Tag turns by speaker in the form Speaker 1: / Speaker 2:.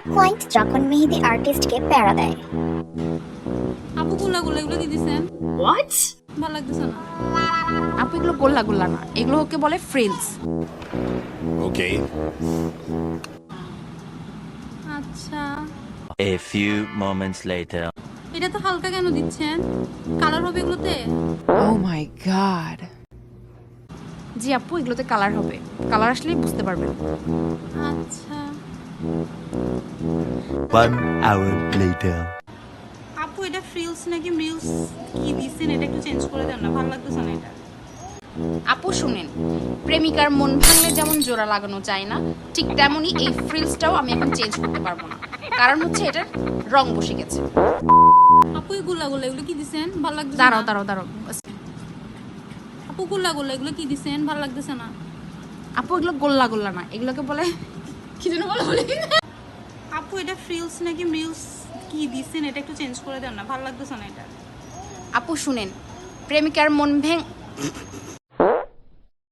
Speaker 1: Point যখন মেহেদি আর্টিস্টকে প্যারা দেয়।
Speaker 2: আপু গোল্লা গোল্লা এগুলো কি দিছেন?
Speaker 3: What?
Speaker 2: ভালো লাগতেছে না।
Speaker 4: আপু এগুলো গোল্লা গোল্লা না, এগুলো ওকে বলে ফ্রিলস।
Speaker 5: Okay.
Speaker 2: আচ্ছা,
Speaker 6: A few moments later.
Speaker 2: এটা তো হালকা কেন দিচ্ছেন? কালার হবে এগুলোতে?
Speaker 7: Oh my god.
Speaker 4: জি আপু, এগুলোতে কালার হবে, কালার আসলেই বুঝতে পারবেন।
Speaker 2: আচ্ছা
Speaker 6: One hour later.
Speaker 2: আপু, এটা ফ্রিলস নাকি মিলস কি দিছেন? এটা একটু চেঞ্জ করে দেন না, ভালো লাগতেছে না এটা।
Speaker 4: আপু শুনেন, প্রেমিকার মন ভাঙলে যেমন জোড়া লাগানো যায় না, ঠিক তেমনই এই ফ্রিলসটাও আমি এখন চেঞ্জ করতে পারবো না, কারণ হচ্ছে এটার রং বসে গেছে।
Speaker 2: আপু এই গোল্লা গোল্লা এগুলো কি দিছেন? ভালো লাগতেছে
Speaker 4: দাঁড়াও
Speaker 2: না।
Speaker 4: দাঁড়াও দাঁড়াও বাস।
Speaker 2: আপু গোল্লা গোল্লা এগুলো কি দিছেন? ভালো লাগতেছে না।
Speaker 4: আপু এগুলো গোল্লা গোল্লা না, এগুলোকে বলে কি যেন বলে।
Speaker 2: আপু এটা ফ্রিলস নাকি মিলস কি দিছেন? এটা একটু চেঞ্জ করে দেন না, ভালো লাগতেছে না এটা।
Speaker 4: আপু শুনেন, প্রেমিকার মন